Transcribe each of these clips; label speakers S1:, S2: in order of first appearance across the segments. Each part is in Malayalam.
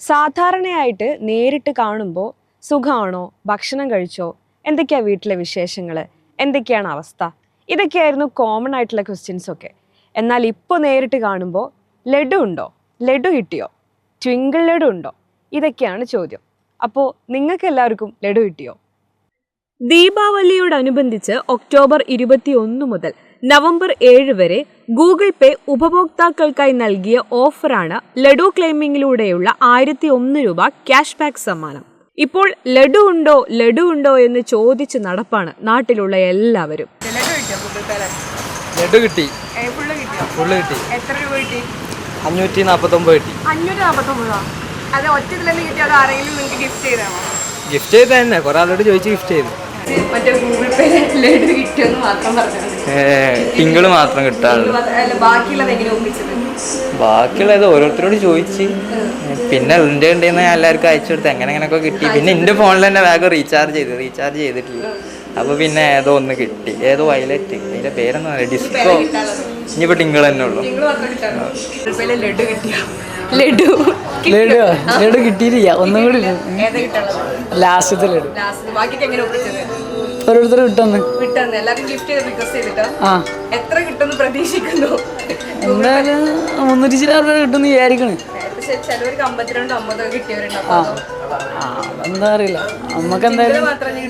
S1: സാധാരണയായിട്ട് നേരിട്ട് കാണുമ്പോൾ സുഖമാണോ, ഭക്ഷണം കഴിച്ചോ, എന്തൊക്കെയാ വീട്ടിലെ വിശേഷങ്ങൾ, എന്തൊക്കെയാണ് അവസ്ഥ, ഇതൊക്കെയായിരുന്നു കോമൺ ആയിട്ടുള്ള ക്വസ്റ്റ്യൻസ് ഒക്കെ. എന്നാൽ ഇപ്പോൾ നേരിട്ട് കാണുമ്പോൾ ലഡു ഉണ്ടോ, ലഡു കിട്ടിയോ, ട്വിങ്കിൾ ലഡു ഉണ്ടോ, ഇതൊക്കെയാണ് ചോദ്യം. അപ്പോൾ നിങ്ങൾക്ക് എല്ലാവർക്കും ലഡു കിട്ടിയോ? ദീപാവലിയോടനുബന്ധിച്ച് ഒക്ടോബർ 21 മുതൽ നവംബർ 7 വരെ ഗൂഗിൾ പേ ഉപഭോക്താക്കൾക്കായി നൽകിയ ഓഫറാണ് ലഡു ക്ലെയിമിങ്ങിലൂടെയുള്ള 1001 രൂപ ക്യാഷ് ബാക്ക് സമ്മാനം. ഇപ്പോൾ ലഡു ഉണ്ടോ എന്ന് ചോദിച്ച് നടപ്പാണ് നാട്ടിലുള്ള എല്ലാവരും.
S2: ലഡു കിട്ടി. ഫുള്ള് കിട്ടി.
S1: എത്ര രൂപ കിട്ടി?
S2: 549 കിട്ടി.
S1: 549. അത് ഒറ്റതിൽ കിട്ടി, അത് ആരെങ്കിലും നിങ്ങൾക്ക് ഗിഫ്റ്റ് ചെയ്താണോ?
S2: ഗിഫ്റ്റ് ചെയ്ത് തന്നെ കുറെ ആളോട് ചോദിച്ച് ഗിഫ്റ്റ് ചെയ്തു.
S1: മറ്റേ ഗൂഗിൾ പേ ലഡു കിട്ടിയെന്ന് മാത്രം പറഞ്ഞു.
S2: ടിങ്കിള് മാത്രം കിട്ടാറുള്ളൂ. ബാക്കിയുള്ളത് ഓരോരുത്തരോട് ചോദിച്ച് പിന്നെ എൻ്റെ ഉണ്ടെന്ന് ഞാൻ എല്ലാവർക്കും അയച്ചു കൊടുത്ത് എങ്ങനെയൊക്കെ കിട്ടി. പിന്നെ എൻ്റെ ഫോണിൽ തന്നെ വേഗം റീചാർജ് ചെയ്തിട്ടില്ല. അപ്പോൾ പിന്നെ ഏതോ ഒന്ന് കിട്ടി, ഏതോ വയലറ്റ്, അതിൻ്റെ പേരൊന്നും അറിയില്ല, ഡിസ്കോ. ഇനിയിപ്പോൾ ടിങ്കിൾ തന്നെ ഉള്ളൂ.
S3: ലഡു കിട്ടിയില്ല, ഒന്നും കൂടി ലാസ്റ്റത്തെ ലഡു ഓരോരുത്തർ കിട്ടുന്നു. എന്തായാലും 300 രൂപ കിട്ടുന്ന വിചാരിക്കണ്. എന്താ അറിയില്ല, നമ്മക്ക് എന്തായാലും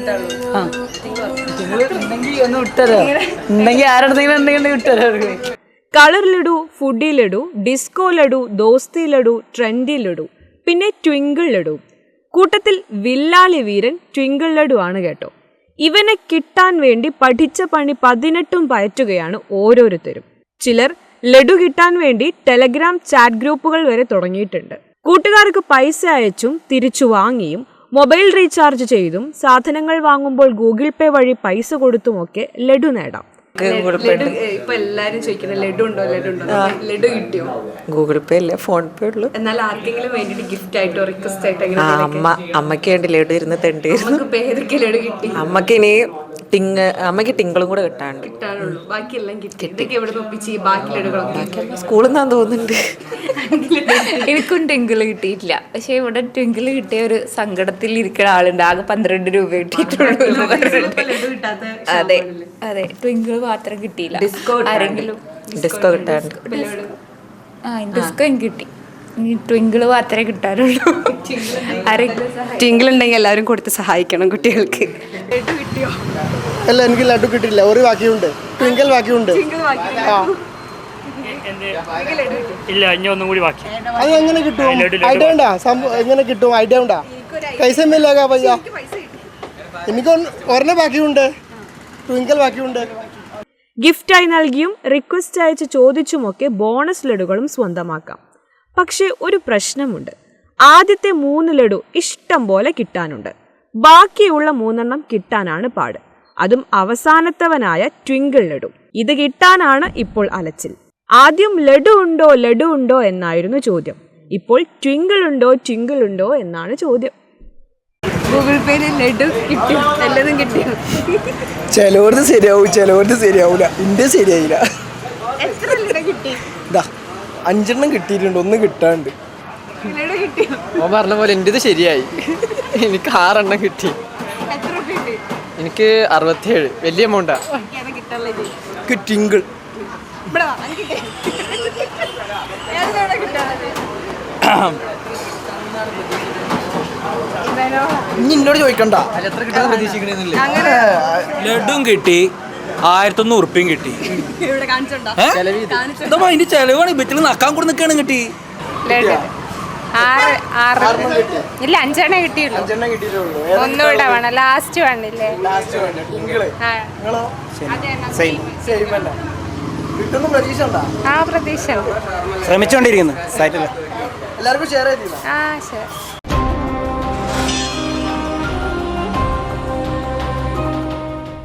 S3: ഒന്ന് വിട്ടരോ, ഉണ്ടെങ്കിൽ ആരുടെങ്കിലും ഉണ്ടെങ്കിൽ വിട്ടരോ.
S1: Colour laddu, foodie laddu, disco laddu, ദോസ്തി ലഡു, ട്രെൻഡി ലഡു, പിന്നെ ട്വിങ്കിൾ ലഡു. കൂട്ടത്തിൽ വില്ലാളി വീരൻ ട്വിങ്കിൾ ലഡു ആണ് കേട്ടോ. ഇവനെ കിട്ടാൻ വേണ്ടി പഠിച്ച പണി 18 പയറ്റുകയാണ് ഓരോരുത്തരും. ചിലർ ലഡു കിട്ടാൻ വേണ്ടി ടെലഗ്രാം ചാറ്റ് ഗ്രൂപ്പുകൾ വരെ തുടങ്ങിയിട്ടുണ്ട്. കൂട്ടുകാർക്ക് പൈസ അയച്ചും തിരിച്ചു വാങ്ങിയും മൊബൈൽ റീചാർജ് ചെയ്തും സാധനങ്ങൾ വാങ്ങുമ്പോൾ ഗൂഗിൾ പേ വഴി പൈസ കൊടുത്തുമൊക്കെ ലഡു നേടാം. ഇപ്പൊ എല്ലാരും ചോദിക്കുന്നത് ലഡു ഉണ്ടോ, ലഡു കിട്ടിയോ?
S4: ഗൂഗിൾ പേ അല്ലേ, ഫോൺ പേ ഉള്ളു.
S1: എന്നാൽ ആർക്കെങ്കിലും വേണ്ടിട്ട് ഗിഫ്റ്റ് ആയിട്ടോ റിക്വസ്റ്റ് ആയിട്ടോ?
S4: അമ്മയ്ക്ക് വേണ്ടി ലഡു ഇരുന്ന് തെണ്ടിയിരുന്നു.
S1: ഏതൊക്കെ ലഡു കിട്ടി?
S4: അമ്മയ്ക്ക് ടിങ്കളും കൂടെ
S1: കിട്ടാനുള്ളൂ, ബാക്കിയെല്ലാം കിട്ടി. എവിടെ ഒപ്പിച്ച് ബാക്കി ലഡുകളൊക്കെ
S4: സ്കൂളിൽ നിന്നാന്ന് തോന്നുന്നുണ്ട്.
S5: എനിക്കും ട്വിങ്കിൾ കിട്ടിയിട്ടില്ല. പക്ഷെ ഇവിടെ ട്വിങ്കിൾ കിട്ടിയ ഒരു സങ്കടത്തിൽ ഇരിക്കുന്ന ആളുണ്ട്. ആകെ 12 രൂപ കിട്ടിയിട്ടുള്ളൂ. അതെ അതെ, ട്വിങ്കിൾ മാത്രം കിട്ടിയില്ല. ആരെങ്കിലും
S4: ഡിസ്കോ കിട്ടാണ്ട്.
S5: ഡിസ്കോ എനിക്ക് കിട്ടി, ട്വിങ്കിൾ മാത്രമേ കിട്ടാറുള്ളൂ.
S1: ട്വിങ്കിൾ ഉണ്ടെങ്കിൽ എല്ലാവരും കൊടുത്ത് സഹായിക്കണം കുട്ടികൾക്ക്.
S6: അല്ല, എനിക്ക് ലഡു കിട്ടിയില്ല, ഒരു ബാക്കിയുണ്ട്, ട്വിങ്കിൾ ബാക്കിയുണ്ട്.
S7: ഇല്ല, ഇനി ഒന്നും കൂടി ബാക്കി.
S6: അത് എങ്ങനെ കിട്ടും? ഐഡിയ ഉണ്ടാ? എങ്ങനെ കിട്ടും? ഐഡിയ ഉണ്ടാ? പൈസ മില്ലേക്കാ പയ്യ. എനിക്ക് ഒരെണ്ണം ബാക്കിയുണ്ട്, ട്വിങ്കിൾ ബാക്കിയുണ്ട്.
S1: ഗിഫ്റ്റായി നൽകിയും റിക്വസ്റ്റ് അയച്ച് ചോദിച്ചുമൊക്കെ ബോണസ് ലഡുകളും സ്വന്തമാക്കാം. പക്ഷേ ഒരു പ്രശ്നമുണ്ട്. ആദ്യത്തെ 3 ലഡു ഇഷ്ടം പോലെ കിട്ടാനുണ്ട്. ബാക്കിയുള്ള 3 കിട്ടാനാണ് പാട്. അതും അവസാനത്തവനായ ട്വിങ്കിൾ ലഡു. ഇത് കിട്ടാനാണ് ഇപ്പോൾ അലച്ചിൽ. ആദ്യം ലഡു ഉണ്ടോ എന്നായിരുന്നു ചോദ്യം. ഇപ്പോൾ ട്വിങ്കിൾ ഉണ്ടോ എന്നാണ് ചോദ്യം. ഗൂഗിൾ പേയിൽ ലഡു കിട്ടിയോ? എല്ലാതും കിട്ടിയോ?
S6: ചിലവർക്ക് ശരിയാവും, ചിലവർക്ക് ശരിയാവൂല. ഇന്റെ ശരിയായില്ല.
S1: എത്ര ലഡു കിട്ടി?
S6: 5 കിട്ടിയിട്ടുണ്ട്, 1 കിട്ടാണ്ട്.
S1: ലഡു കിട്ടിയോ?
S2: ഓ പറഞ്ഞ പോലെ എൻ്റെ ശരിയായി. എനിക്ക് 6 കിട്ടി.
S1: എത്ര കിട്ടി?
S2: എനിക്ക് 67. വലിയ എമൗണ്ടാ.
S6: ടിങ്കിൾ ഇനി എന്നോട് ചോദിക്കണ്ട.
S2: എത്ര കിട്ടുമെന്ന് പ്രതീക്ഷിക്കണമെന്നില്ല.
S7: ലഡും കിട്ടി, 1100 ഉറുപ്പ്യം കിട്ടി. അതിന്റെ ചെലവാണ് ബെറ്റിൽ നക്കാൻ കൂടെ നിൽക്കാണ് കിട്ടി.
S5: ഇല്ല, 5 കിട്ടിയുള്ളൂ. ഒന്നുകൂടെ വേണം, ലാസ്റ്റ് വേണ്ടില്ലേ?
S6: പ്രതീക്ഷ
S7: ശ്രമിച്ചോണ്ടിരിക്കുന്നു.
S6: എല്ലാവർക്കും ഷെയർ ചെയ്തില്ല.
S5: ശരി.